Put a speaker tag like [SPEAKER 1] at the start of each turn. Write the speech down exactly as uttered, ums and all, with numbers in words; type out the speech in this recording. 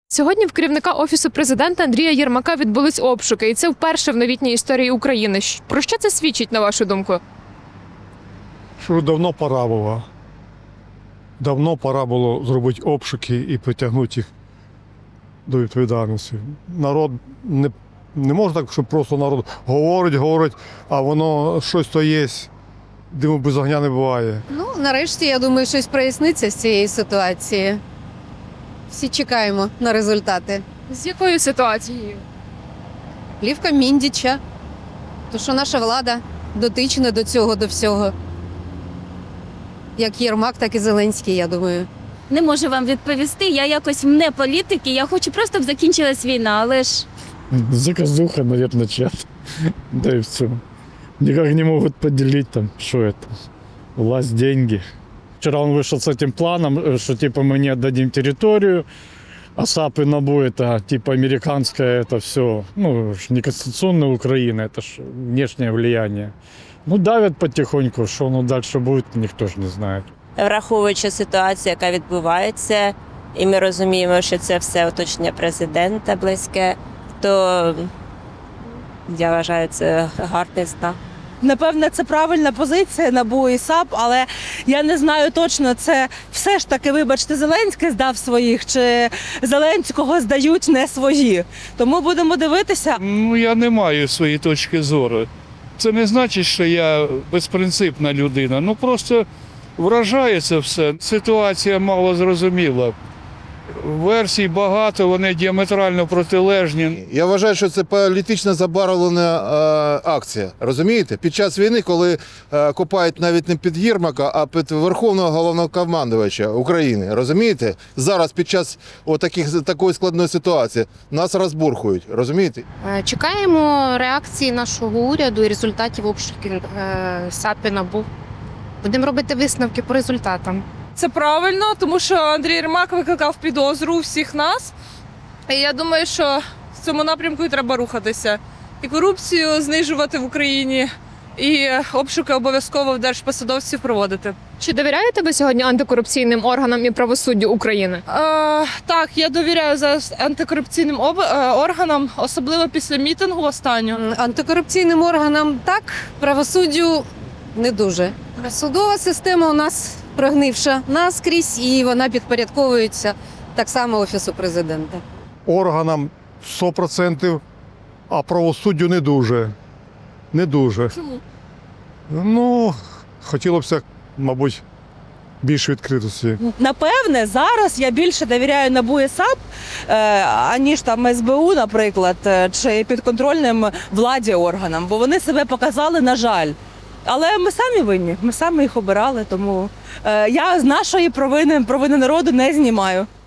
[SPEAKER 1] Сьогодні в керівника Офісу президента Андрія Єрмака відбулись обшуки, і це вперше в новітній історії України. Про що це свідчить, на вашу думку?
[SPEAKER 2] Що давно пора було. Давно пора було зробити обшуки і притягнути їх до відповідальності. Народ не, не може так, щоб просто народ говорить, говорить, а воно щось то є, диму без огня не буває.
[SPEAKER 3] Ну, нарешті, я думаю, щось проясниться з цієї ситуації. Всі чекаємо на результати.
[SPEAKER 1] З якою ситуацією?
[SPEAKER 3] Плівка Міндіча. То, що наша влада дотична до цього, до всього. Як Єрмак, так і Зеленський, я думаю.
[SPEAKER 4] Не можу вам відповісти. Я якось не політики, я хочу просто, щоб закінчилась війна, але ж
[SPEAKER 5] Заказуха, наверное, чат. Да и все. Никак не могут поделить там, что это. Власть, деньги. Вчера он вышел с этим планом, что типа мы не отдадим территорию, а САП и НАБУ это типа американское, это все, ну, не конституционная Украина, это ж внешнее влияние. Ну, давят потихоньку, что оно дальше будет, никто ж не знает.
[SPEAKER 6] Враховуючи ситуацію, яка відбувається, і ми розуміємо, що це все оточення президента близьке, то я вважаю, це гарний знак.
[SPEAKER 7] Напевне, це правильна позиція НАБУ і САП, але я не знаю точно, це все ж таки, вибачте, Зеленський здав своїх, чи Зеленського здають не свої. Тому будемо дивитися.
[SPEAKER 8] Ну, я не маю своєї точки зору. Це не значить, що я безпринципна людина. Ну, просто вражає це все. Ситуація мало зрозуміла. Версій багато, вони діаметрально протилежні.
[SPEAKER 9] Я вважаю, що це політично забарвлена е, акція. Розумієте? Під час війни, коли е, копають навіть не під Єрмака, а під Верховного Головнокомандувача України. Розумієте? Зараз під час отаких, такої складної ситуації нас розбурхують. Розумієте?
[SPEAKER 10] Чекаємо реакції нашого уряду і результатів обшуків САП і НАБУ. Будемо робити висновки по результатам.
[SPEAKER 11] Це правильно, тому що Андрій Єрмак викликав підозру у всіх нас. І я думаю, що в цьому напрямку і треба рухатися. І корупцію знижувати в Україні, і обшуки обов'язково в держпосадовців проводити.
[SPEAKER 1] Чи довіряєте ви сьогодні антикорупційним органам і правосуддю України?
[SPEAKER 11] Е, так, я довіряю зараз антикорупційним об... е, органам, особливо після мітингу останнього.
[SPEAKER 3] Антикорупційним органам так, правосуддю не дуже. Судова система у нас прогнивша наскрізь, і вона підпорядковується так само Офісу президента.
[SPEAKER 2] Органам сто відсотків, а правосуддю не дуже. Не дуже.
[SPEAKER 11] Чому?
[SPEAKER 2] Ну, хотілося б, мабуть, більше відкритості.
[SPEAKER 7] Напевне, зараз я більше довіряю НАБУ і САП, е, аніж там ес бе у, наприклад, е, чи підконтрольним владі органам, бо вони себе показали, на жаль. Але ми самі винні, ми самі їх обирали, тому е, я з нашої провини, провини народу не знімаю.